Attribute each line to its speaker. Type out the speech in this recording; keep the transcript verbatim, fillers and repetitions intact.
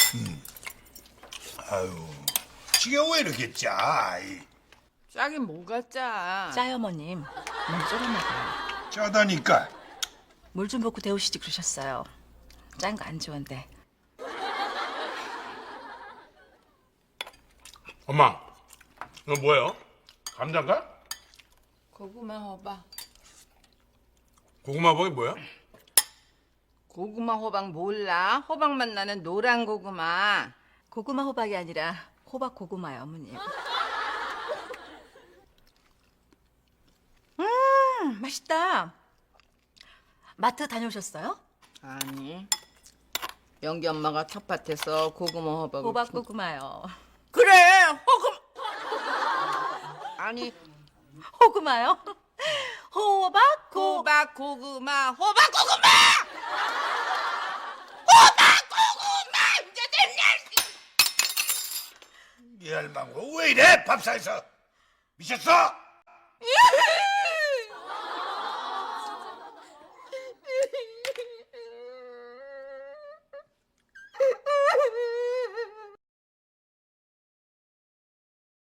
Speaker 1: 아유, 지게 왜 이렇게 짜? 이,
Speaker 2: 짜긴 뭐가 짜?
Speaker 3: 짜요, 어머님. 너무 쫄아 먹어요.
Speaker 1: 짜다니까.
Speaker 3: 물 좀 붓고 데우시지 그러셨어요. 짠 거 안 좋은데.
Speaker 4: 엄마, 이거 뭐예요? 감자인가?
Speaker 2: 고구마 호박.
Speaker 4: 고구마 버이 뭐야?
Speaker 2: 고구마 호박 몰라? 호박맛 나는 노란 고구마.
Speaker 3: 고구마 호박이 아니라 호박 고구마요, 어머님. 음, 맛있다. 마트 다녀오셨어요?
Speaker 2: 아니. 영기 엄마가 텃밭에서 고구마 호박을
Speaker 3: 호박
Speaker 2: 키-
Speaker 3: 고구마요.
Speaker 2: 그래 호구 아니
Speaker 3: 호구마요? 호박 고
Speaker 2: 호박 고구마 호박 고구마 호박 고구마 이제 됐냐?
Speaker 1: 이 할망구 왜 이래? 밥상에서 미쳤어?